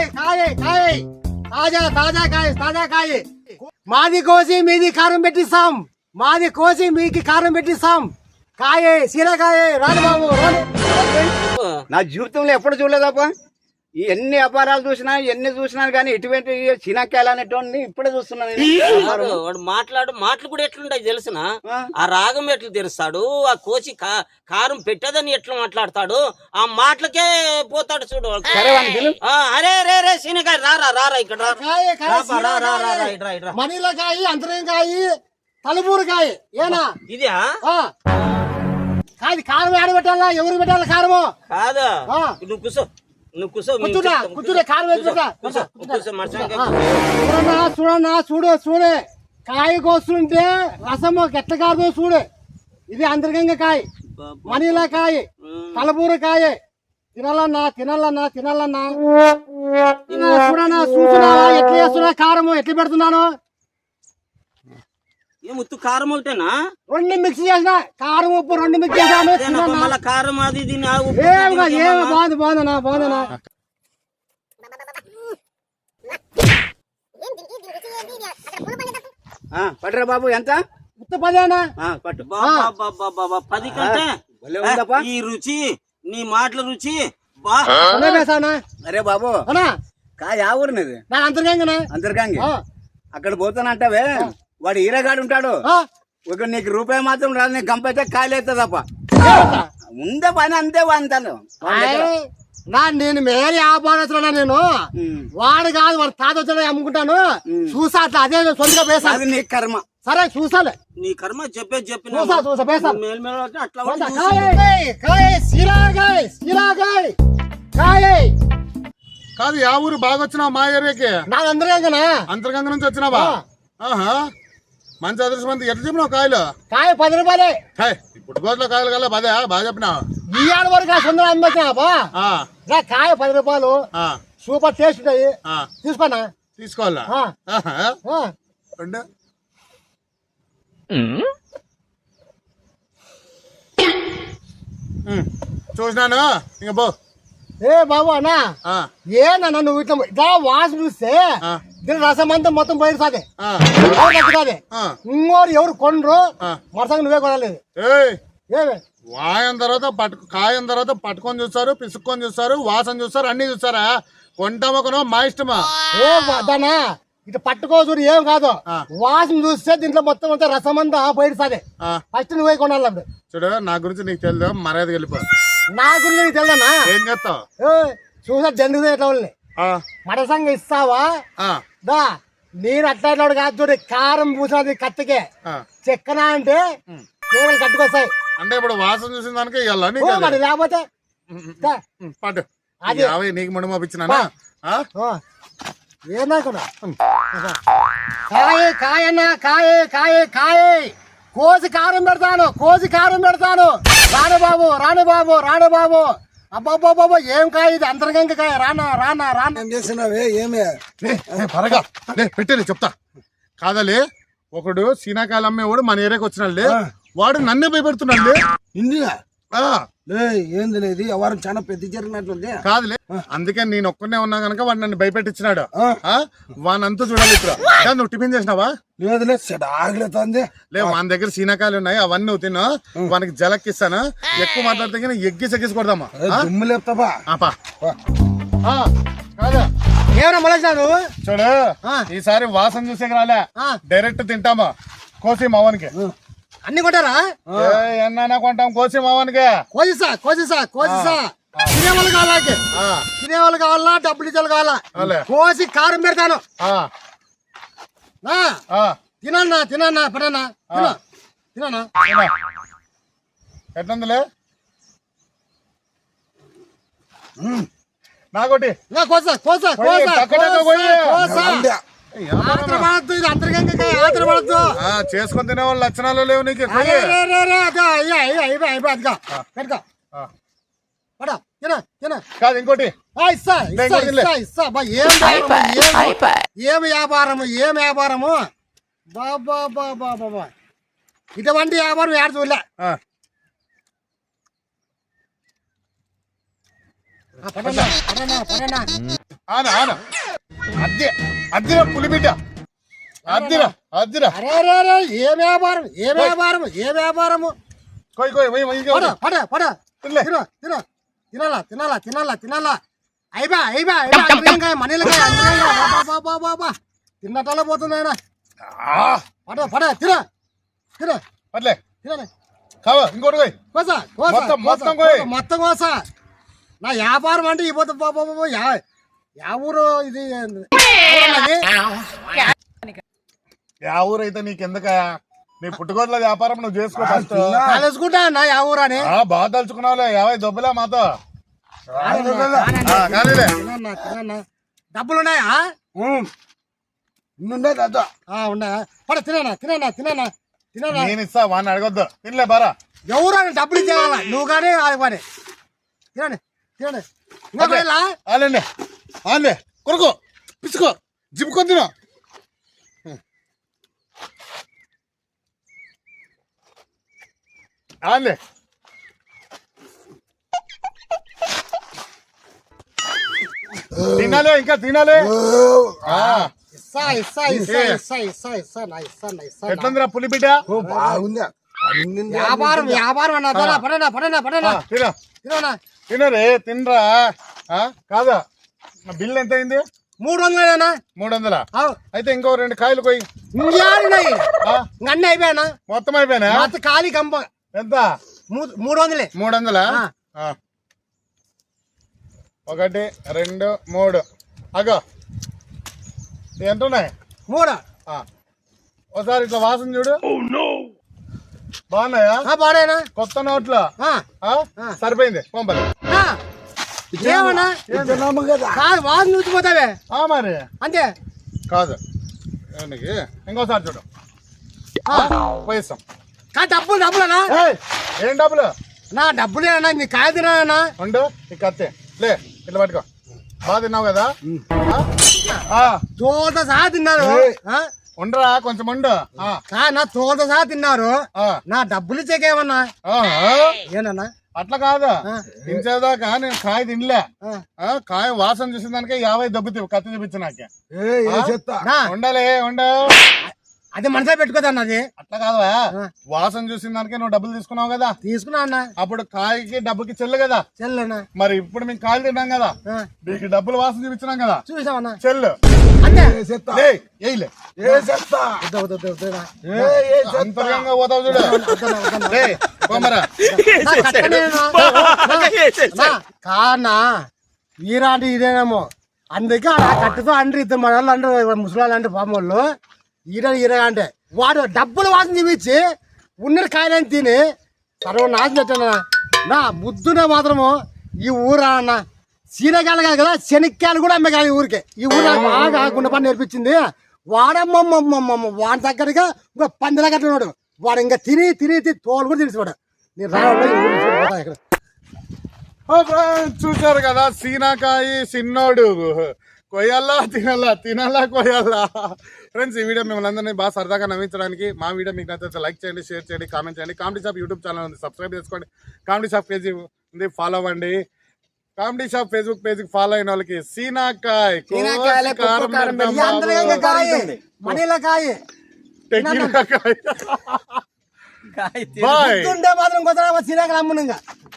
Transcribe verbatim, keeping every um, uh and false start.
కాయ కాయ తాజా తాజా కాయ తాజా కాయ మాది కోసి మీది కారం పెట్టిస్తాం మాది కోసి మీకి కారం పెట్టిస్తాం కాయ సీరకాయ రాను బాబు రాను. నా జీవితంలో ఎప్పుడు చూడలేదప్ప. ఎన్ని వ్యాపారాలు చూసినా ఎన్ని చూసినా కానీ ఇటువంటి చినక్కాయలు అనేటువంటి ఇప్పుడే చూస్తున్నాను. వాడు మాట్లాడు మాటలు కూడా ఎట్లుంటాయి తెలిసిన ఆ రాగం ఎట్లా తెరుస్తాడు ఆ కోసి కారం పెట్టదని ఎట్లా మాట్లాడతాడు ఆ మాటలకే పోతాడు చూడు. అరే రే రే సీనకాయ రారా రారా ఇక్కడ మనీలకాయ అంతరంకాయ తలపూరకాయ ఏనా ఇది కాదు కారం ఆడ పెట్టాలా ఎవరు పెట్టాలా కారము కాదు నువ్వు కూర్చో నువ్వు కూర్చో కూర్చునే కారం చూడన్నా చూడు చూడే కాయ కోస్తుంటే రసము ఎట్ల కాదు చూడు. ఇది అంతర్గంగా కాయ మనీలా కాయ తలపూర కాయ తినాలన్నా తినాలన్నా తినాలన్నా చూడన్నా చూస్తున్నా ఎట్లా చేస్తున్నా కారము ఎట్లా పెడుతున్నాను. ముత్తు కారం ఒకటేనా రెండు మిక్స్ చేసిన కారం ఉప్పు రెండు మిక్స్ చేసాను కారం అది బాగుంది బాగుందనా బాగుందనా పట్టరా బాబు ఎంత ఉత్త పదేనా పట్టు పది కంటే ఈ రుచి నీ మాటల రుచి అరే బాబు కాయ ఊరినది నా అంతర్గంగనా అంతర్గంగి అక్కడ పోతానంటావే వాడు ఈరగాడు ఉంటాడు ఒక నీకు రూపాయి మాత్రం రాదు నీకు గంపైతే కాయలు అవుతుంది తప్ప ఉందే పని అంతే అంతాను నా నేను మేరీ వ్యాపారస్తున్నా నేను వాడు కాదు వాడు తాత వచ్చా అమ్ముకుంటాను చూసా అట్లా అదే సొంతగా వేసా అది నీ కర్మ సరే చూసాలే నీ కర్మ చెప్పే చెప్పి చూసా చూసా వేసా కాదు యా ఊరు బాగా వచ్చినావు మా ఏరియాకి నా అంతర్గంగనా అంతర్గంగ నుంచి వచ్చినావా మంచి అదృష్టం ఎట్లా చెప్పినావు కాయలు కాయ పది రూపాయలే ఇప్పుడు గోట్ల కాయలు కల్లా పదే బాగా చెప్పినావు ఈ ఆడ వరకు సుందరం అమ్మా కాయ పది రూపాయలు సూపర్ టేస్ట్ ఉంటాయి తీసుకోనా తీసుకోవాలా చూసినాను ఇంక బో ఏ బాబు అన్నా ఏనా నువ్వు ఇట్లా ఇట్లా వాసన చూస్తే దీని రసం అంతా మొత్తం బయట సాదే ఇంకోరు ఎవరు కొనరు మరసంగా నువ్వే కొనలేదు. వాయం తర్వాత పట్టు కాయం తర్వాత పట్టుకొని చూస్తారు పిసుక్కొని చూస్తారు వాసన చూస్తారు అన్ని చూస్తారా కొంటామా కొనో మా ఇష్టమా ఏ దానా ఇట్లా పట్టుకోవచ్చు ఏం కాదు వాసన చూస్తే దీంట్లో మొత్తం అంతా రసం అంతా బయట సాదే ఫస్ట్ నువ్వే కొనాలి. చూడు నా గురించి నీకు తెలియదు మర్యాద వెళ్ళిపో. నా గురించి నీకు తెలుదన్నా ఏం చేస్తావు చూసా జండుగా ఎట్లా వాళ్ళని మరసంగా ఇస్తావా దా నేను అట్లా కాదు చూడు కారం పూసినది కత్తికే చెక్కన అంటే కేవలం కట్టుకొస్తాయి అంటే ఇప్పుడు వాసన చూసిన దానికి ఇవ్వాలి లేకపోతే పట్టు అది నీకు ముందు పంపించినా ఏమనుకున్నా కాయ కాయన్నా కాయ కాయ కాయ కోసి కారం పెడతాను కోసి కారం పెడతాను రాను బాబు రాను బాబు రాను బాబు అబ్బాబాబా ఏం కాయ ఇది అంతర్గంగ కాయ రానా రానా రానా ఏం చేస్తున్నావే ఏమే పరగా పెట్టేది చెప్తా కాదలే ఒకడు సీనాకాయలు అమ్మేవాడు మన ఏరియాకి వచ్చినాడులే వాడు నన్నే భయపెడుతున్నాడులే ఇండియా ఏంది లేదు ఎవరు చాలా పెద్ద జరిగినట్లుంది కాదులే అందుకే నేను ఒక్కనే ఉన్నా కనుక వాడు నన్ను భయపెట్టించినాడు వానంతా చూడాలి ఇప్పుడు నువ్వు టిఫిన్ చేసినావా లేదులే ఆగలేతుంది లే మన దగ్గర సీనాకాయలు ఉన్నాయి అవన్నీ నువ్వు తిన్నా వానికి జలక్కిస్తాను ఎక్కువ మాట్లాడితే ఎగ్గి సెగ్గిసి కొడదామా దుమ్ము లేపుతావా ఏమన్నా మొదలు చూడు ఈసారి వాసన చూసే రాలే డైరెక్ట్ తింటామా కోసి మావానికి అన్ని కొంటారా ఎన్నా కొంటాం కోసి మావానికి కోసిసా కోసిసా కోసిసా తినేవాళ్ళు కావాలా తినేవాళ్ళు కావాలా డబ్బులు ఇచ్చేవాళ్ళు కావాలా కోసి కారం పెడతాను తినన్నా తినన్నా పడన్నా తినన్నా ఎట్లుందిలే నాకోటి కోసా కోసా కోసా చేసుకొని తినే వాళ్ళు లక్షణాలు లేవు నీకు కాదు ఇంకోటి ఏం వ్యాపారము ఏం వ్యాపారము బాబా బాబా బాబా ఇటువంటి వ్యాపారం ఏడు చూడలే పడనా పడనా పడనా ఆన ఆన అద్దె అద్దిరా పులిబిడ్డ అద్దిరా అద్దిరా అరే అరే అరే ఏ వ్యాపారం ఏ వ్యాపారం ఏ వ్యాపారము కొయ్ కొయ్ పోయి పోయి పడ పడ పడ తినలే. తిన తిన తినాలా తినాలా తినాలా తినాలా అయిబా అయిబా అయిబా అందరికాయ మనీలకాయ అందరికాయ తిన్నట్టాల పోతుంది ఆయన పడ పడ తిన తిన పర్లే తినలే కావా ఇంకోటి పోయి కోసా కోసా మొత్తం, మొత్తం కోసా, కోయ్. మొత్తం కోసా నా వ్యాపారం అంటే ఇపోతే బాబా యా యా ఊరు ఇది ఊరన్నది? యా ఊరైతే నీకెందుక నీ పుట్టుకోట్ల వ్యాపారం నువ్వు చేసుకో ఫస్ట్ తెలుసుకుంటా అన్న యా ఊరు అని ఆ, బాగా తలుచుకున్నావులే యాభై దొబ్బులా మాతో ఆ, కానీలే తినన్నా తినన్నా డబ్బులు ఉన్నాయా ఇన్నుండే తాత ఆ, ఉన్నాయా పడ తిననా తిననా తిననా తిననా నేను ఇస్తా వాడిని అడగొద్దు తినలే బారా ఎవరు అని డబ్బులు ఇచ్చేయాల నువ్వు కానీ అది కానీ తినండి తినండి ఇంకా వెళ్ళా ఆలండి ఆలే కొరకు పిచ్చుకో జిప్పుకొని తిను ఆలే తినాలే ఇంకా తినాలే ఆ, ఇస్సా ఇస్సా ఇస్సా ఇస్సా ఇస్సా ఇస్సా నా ఇస్సా నా ఇస్సా నా. ఎట్లుందిరా పులి బిడ్డ ఓ బాగుంది అన్నింది వ్యాపారం వ్యాపారం అన్న పడనా పడనా పడనా పడనా ఆ, తిను తిననా తినరే తినరా ఆ, కాదా నా బిల్ ఎంత అయింది మూడు వందలేనా మూడు వందల అయితే ఇంకో రెండు కాయలు కొయ్యి ఇంకేడున్నాయి ఆ, అన్నీ అయిపోయానా మొత్తం అయిపోయినా మొత్తం ఖాళీ కంప ఎంత మూ- మూడు వందలే మూడు వందలా ఆ. ఆ. ఒకటి రెండు మూడు అగో ఎంత ఉన్నాయి మూడు ఆ. ఒకసారి ఇట్లా వాసన చూడు బాగున్నాయా ఆ, బాడేనా కొత్త నోట్లు ఆ, ఆ? సరిపోయింది పంపలు ఆ. ఏమన్నా తిన్నాము కదా కాదు వాసన చూసిపోతావే ఆ మరి అంతే కాదు ఏనికి? ఇంకోసారి చూడు ఆ. పోయిస్తాం కా డబ్బులు డబ్బులనా ఏయ్, ఏం డబ్బులు నా డబ్బులేనా నీ కాయ తినా ఉండు ఈ కత్తి లే ఇట్లా పట్టుకో బాగా తిన్నావు కదా ఆ? ఆ, తోట సహా తిన్నారు ఆ? ఉండరా కొంచెం ఉండు ఆ, కా నా తోట సహా తిన్నారు ఆ. నా డబ్బులు ఇచ్చేకేమన్నా ఆ, ఆ. ఏనన్నా అట్లా కాదు ఆ. తినేదాకా నేను కాయ తినలే ఆ. ఆ, కాయ వాసన చూసిన దానికే యాభై దెబ్బతివి కత్తి చూపించినాకే ఏ ఏ చెత్త నా ఉండాలి ఉండు అది మనసే పెట్టుకోదన్నది అట్లా కాదువా ఆ. వాసన చూసిన దానికే నువ్వు డబ్బులు తీసుకున్నావు కదా తీసుకున్నా అన్న అప్పుడు కాయకి డబ్బుకి చెల్లు కదా చెల్లెనా మరి ఇప్పుడు మేము కాయలు తిన్నాం కదా ఆ. నీకు డబ్బులు వాసన చూపించినాం కదా చూసావన్నా చెల్లు అంతే ఏ చెత్త లే ఏయిలే ఏ చెత్త వద్దు, వద్దు, వద్దు, వద్దు, నా. ఏ ఏ చెత్త అంతర్గంగా పోతావు చూడు వద్దన్నా, వద్దన్నా. లే పోమరా నా కట్టనేనా? నా, కానా వీరాంటి ఇదేనేమో అందుకే ఆ కట్టుతో అంటారు ఇద్దరు మన వాళ్ళు అంటారు ముసలాళ్ళు అంటే పాము వాళ్ళు ఈర ఈర అంటే వాడు డబ్బులు వాసన చూపించి ఉన్న కాయలని తిని సర్వ నాశనం పెట్టాను నా బుద్ధునే మాత్రము ఈ ఊరా అన్న సీనకాయలు కాదు కదా శనక్కాయలు కూడా అమ్మే కాదు ఈ ఊరికే ఈ ఊరు నాకు బాగా గుండె పని నేర్పించింది వాడమ్మమ్మమ్మమ్మ వాడి దగ్గరగా ఇంకా పందిలా కట్టినాడు వాడు ఇంకా తిని తిని తిని తోలు కూడా తెలిసివాడు నేను రావడం ఈ ఊరు చూడిపోతా ఇక్కడ ఓ ఫ్రెండ్స్, చూశారు కదా సీనాకాయ సిన్నోడు కొయ్యాలా తినాలా తినాలా కొయ్యాలా ఫ్రెండ్స్ ఈ వీడియో మిమ్మల్ని అందరినీ బాగా సరదాగా నవ్వించడానికి మా వీడియో మీకు నచ్చితే లైక్ చేయండి షేర్ చేయండి కామెంట్ చేయండి కామెడీ షాప్ యూట్యూబ్ ఛానల్ ఉంది సబ్స్క్రైబ్ చేసుకోండి కామెడీ షాప్ పేజీ ఉంది ఫాలో అవ్వండి comedy shop Facebook page follow అయిన వాళ్ళకి సీనాకాయ్ సీనాకాయలే, కోసి కారం కుప్పు కారం పెడతాం ఈ అందరికీ బాబు. కాయ మనీల కాయ టెకీలా కాయ్. కాయ బాయ్ ఉండే మాత్రం కొత్త సీనాకాయలు అమ్మును ఇంకా